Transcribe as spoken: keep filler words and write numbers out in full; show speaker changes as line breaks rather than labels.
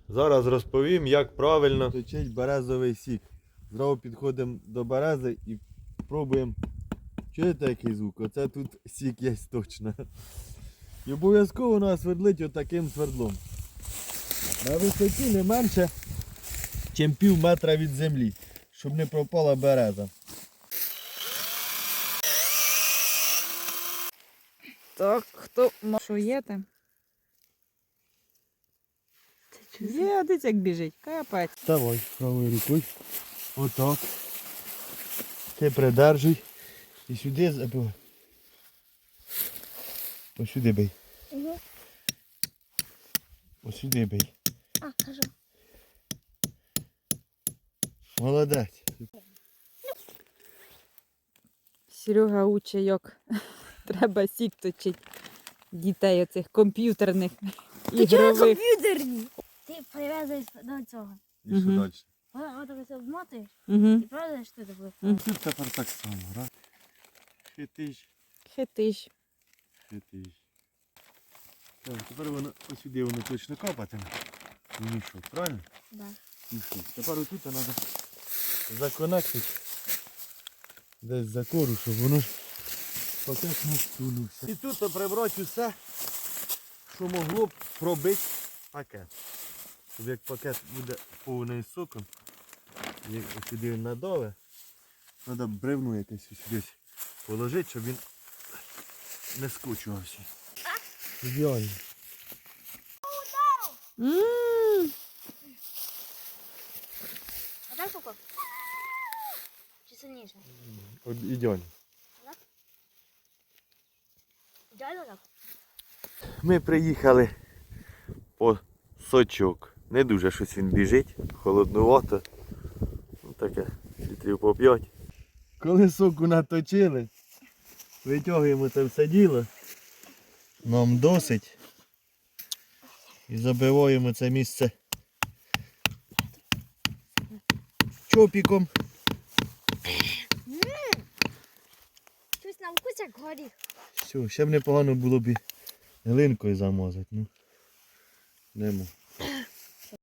Зараз розповім, як правильно
точить березовий сік. Зразу підходимо до берези і пробуємо. Чуєте який звук? Оце тут сік є точно. І обов'язково нас свердлить отаким свердлом. На висоті не менше, ніж пів метра від землі, щоб не пропала береза.
Так, хто що є там? Є, дивіться, як біжить. Капець.
Давай правою рукою. Отак. Ти придержуй. І сюди забивай. Ось сюди бий.
Угу.
Ось сюди бий.
А, кажу.
Молодець.
Серега учить, як треба сік точить дітей оцих комп'ютерних,
Ти чого
ігрових.
комп'ютерні? Ти прив'язуєш до цього.
І що
Мгм.
далі?
Ось так обмотуєш
Угу.
і прив'язуєш туди.
Мгм.
Тут тепер так само, раз. Хитиш,
Хитиш.
хитиш. Так, тепер воно ось сюди воно точно капатиме. І мішок, правильно?
Да.
Мішок. Тепер отут треба законектити десь за кору, щоб воно пакет не стунувся. І тут прибрати усе, що могло б пробити пакет. Щоб як пакет буде повний соком, як сюди він надове, треба бревну якесь сюди положити, щоб він не скочувався. Ідеально.
М.
А так поко? Чи сильніше?
Ідеально.
Ідеально так?
Ми приїхали по сочок. Не дуже щось він біжить, холоднувато. Ну, таке, літрів по п'ять. Коли соку наточили, витягуємо це все діло. Нам досить. І забиваємо це місце чопіком.
Щось на вкус як горіх.
Все, ще б непогано було б і глинкою замазати. Ну, нема.